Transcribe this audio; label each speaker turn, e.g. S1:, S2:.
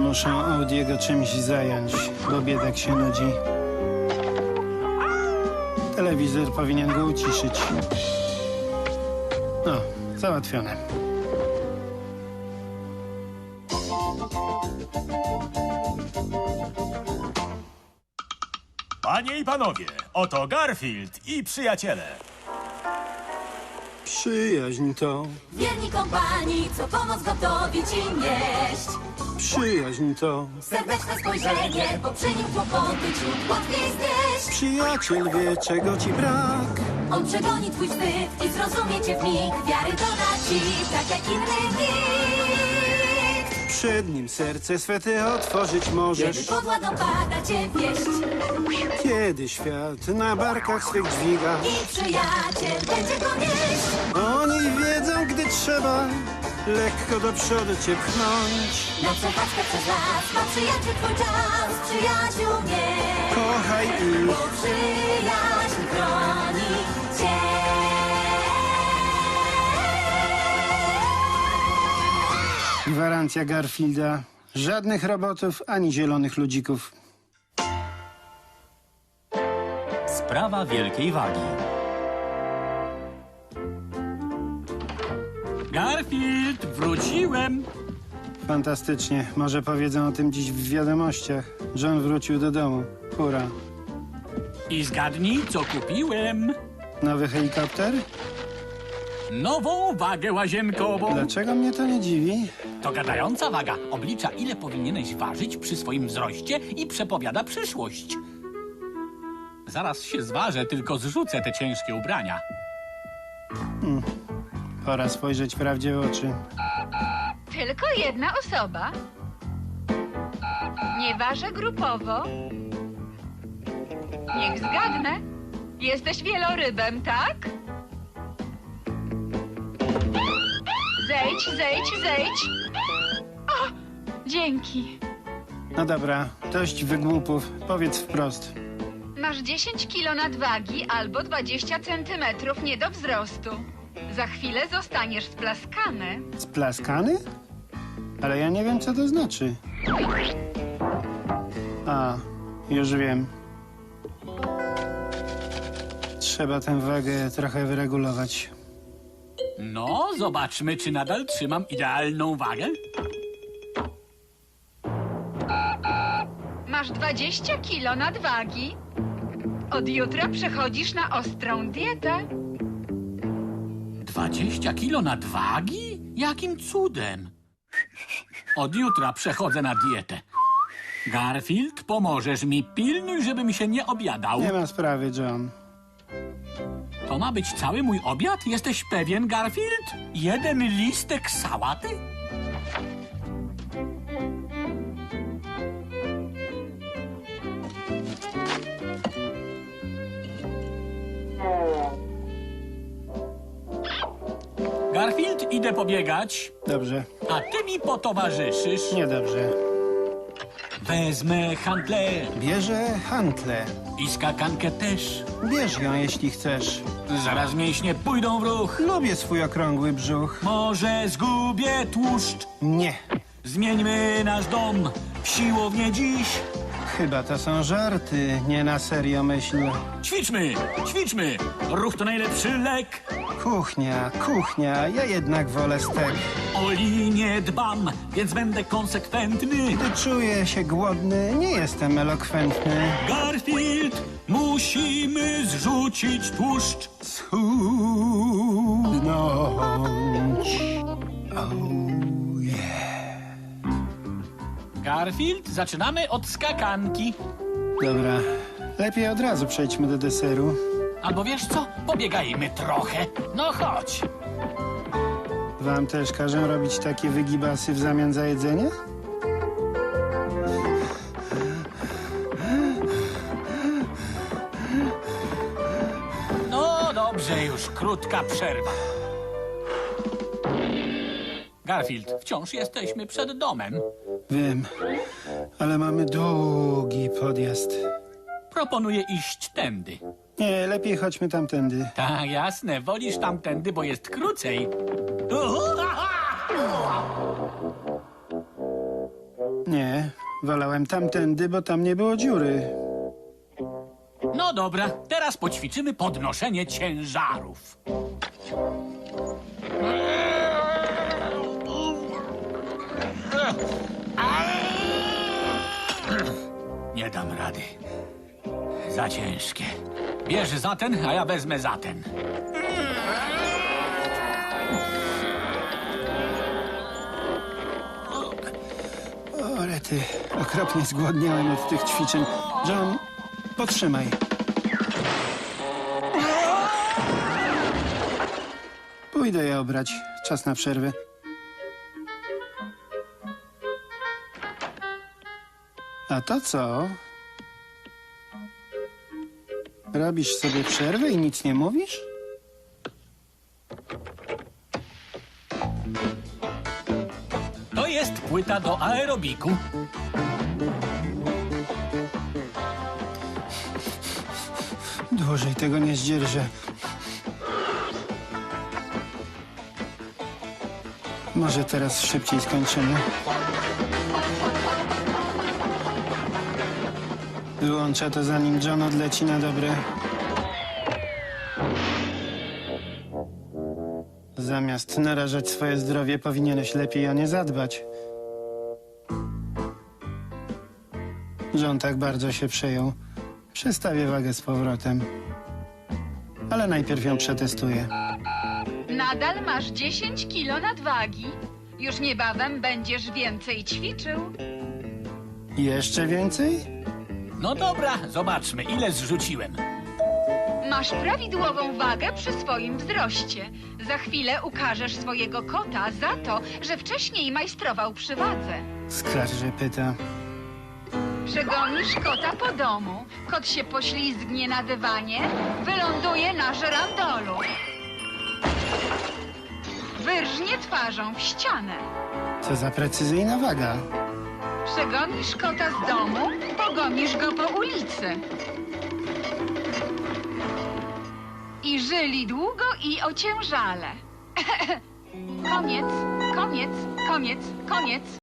S1: Muszę Audiego czymś zająć, bo biedak się nudzi. Telewizor powinien go uciszyć. No, załatwione.
S2: Panie i panowie, oto Garfield i przyjaciele.
S1: Przyjaźń to,
S3: Wierni kompanii, co pomoc gotowi ci nieść.
S1: przyjaźń to.
S3: Serdeczne spojrzenie, bo przy nim kłopoty ci łatwiej znieść.
S1: Przyjaciel wie, czego ci brak.
S3: On przegoni twój wstyd i zrozumie cię w mig. Wiary doda ci, tak jak inny nikt.
S1: Przed nim serce swe ty otworzyć
S3: Kiedy
S1: możesz.
S3: pod ładą pada cię wieść.
S1: Kiedy świat na barkach swych dźwiga.
S3: I przyjaciel będzie go nieść.
S1: Oni wiedzą, gdy trzeba lekko do przodu cię pchnąć.
S3: Na przechadzkę przez las ma przyjaciel twój czas. Przyjaciół nie,
S1: Kochaj ich.
S3: bo przyjaźń chroni cię.
S1: Gwarancja Garfielda. Żadnych robotów, ani zielonych ludzików.
S4: Sprawa wielkiej wagi. Garfield, wróciłem!
S1: Fantastycznie. Może powiedzą o tym dziś w wiadomościach. John wrócił do domu. Hurra.
S4: I zgadnij, co kupiłem.
S1: Nowy helikopter?
S4: Nową wagę łazienkową.
S1: Dlaczego mnie to nie dziwi?
S4: To gadająca waga. Oblicza, ile powinieneś ważyć przy swoim wzroście i przepowiada przyszłość. Zaraz się zważę, tylko zrzucę te ciężkie ubrania.
S1: Pora spojrzeć prawdzie w oczy.
S5: Tylko jedna osoba. Nie ważę grupowo. Niech zgadnę. Jesteś wielorybem, tak? Zejdź, zejdź, zejdź. O, dzięki.
S1: No dobra, dość wygłupów. Powiedz wprost.
S5: Masz 10 kilo nadwagi albo 20 centymetrów nie do wzrostu. Za chwilę zostaniesz splaskany.
S1: Splaskany? Ale ja nie wiem, co to znaczy. A, już wiem. Trzeba tę wagę trochę wyregulować.
S4: No, zobaczmy, czy nadal trzymam idealną wagę.
S5: Masz 20 kilo nadwagi. Od jutra przechodzisz na ostrą dietę.
S4: 20 kilo nadwagi? Jakim cudem? Od jutra przechodzę na dietę. Garfield, pomożesz mi. Pilnuj, żebym się nie objadał.
S1: Nie ma sprawy, John.
S4: To ma być cały mój obiad? Jesteś pewien, Garfield? Jeden listek sałaty? Garfield, idę pobiegać,
S1: Dobrze.
S4: a ty mi potowarzyszysz.
S1: Niedobrze.
S4: Wezmę handlę
S1: Bierze hantle.
S4: i skakankę też.
S1: Bierz ją, jeśli chcesz.
S4: Zaraz mięśnie pójdą w ruch.
S1: Lubię swój okrągły brzuch.
S4: Może zgubię tłuszcz.
S1: Nie.
S4: Zmieńmy nasz dom w siłownię dziś.
S1: Chyba to są żarty, nie na serio myśl.
S4: Ćwiczmy, ćwiczmy. Ruch to najlepszy lek.
S1: Kuchnia, kuchnia, ja jednak wolę stek.
S4: O linię dbam, więc będę konsekwentny.
S1: Gdy czuję się głodny, nie jestem elokwentny.
S4: Garfield, musimy zrzucić tłuszcz.
S1: Schudnąć. Oh, yeah.
S4: Garfield, zaczynamy od skakanki.
S1: Dobra, lepiej od razu przejdźmy do deseru.
S4: Albo wiesz co? Pobiegajmy trochę. No chodź.
S1: Wam też każę robić takie wygibasy w zamian za jedzenie?
S4: No dobrze, już krótka przerwa. Garfield, wciąż jesteśmy przed domem.
S1: Wiem, ale mamy długi podjazd.
S4: Proponuję iść tędy.
S1: Nie, lepiej chodźmy tamtędy.
S4: Tak, jasne. Wolisz tamtędy, bo jest krócej.
S1: Nie, wolałem tamtędy, bo tam nie było dziury.
S4: No dobra, teraz poćwiczymy podnoszenie ciężarów. Nie dam rady. Za ciężkie. Bierz za ten, a ja wezmę za ten.
S1: O, rety, okropnie zgłodniałem od tych ćwiczeń. John, potrzymaj. Pójdę je obrać. Czas na przerwę. A to co? Robisz sobie przerwę i nic nie mówisz?
S4: To jest płyta do aerobiku.
S1: Dłużej tego nie zdzierżę. Może teraz szybciej skończymy. Wyłączę to, zanim John odleci na dobre. Zamiast narażać swoje zdrowie, powinieneś lepiej o nie zadbać. John tak bardzo się przejął. Przestawię wagę z powrotem. Ale najpierw ją przetestuję.
S5: Nadal masz 10 kilo nadwagi. Już niebawem będziesz więcej ćwiczył.
S1: Jeszcze więcej?
S4: No dobra, zobaczmy, ile zrzuciłem.
S5: Masz prawidłową wagę przy swoim wzroście. Za chwilę ukażesz swojego kota za to, że wcześniej majstrował przy wadze.
S1: Skarży pyta.
S5: Przegonisz kota po domu. Kot się poślizgnie na dywanie, wyląduje na żerandolu. Wyrżnie twarzą w ścianę.
S1: Co za precyzyjna waga.
S5: Przegonisz kota z domu, pogonisz go po ulicy. I żyli długo i ociężale. Koniec, koniec, koniec, koniec.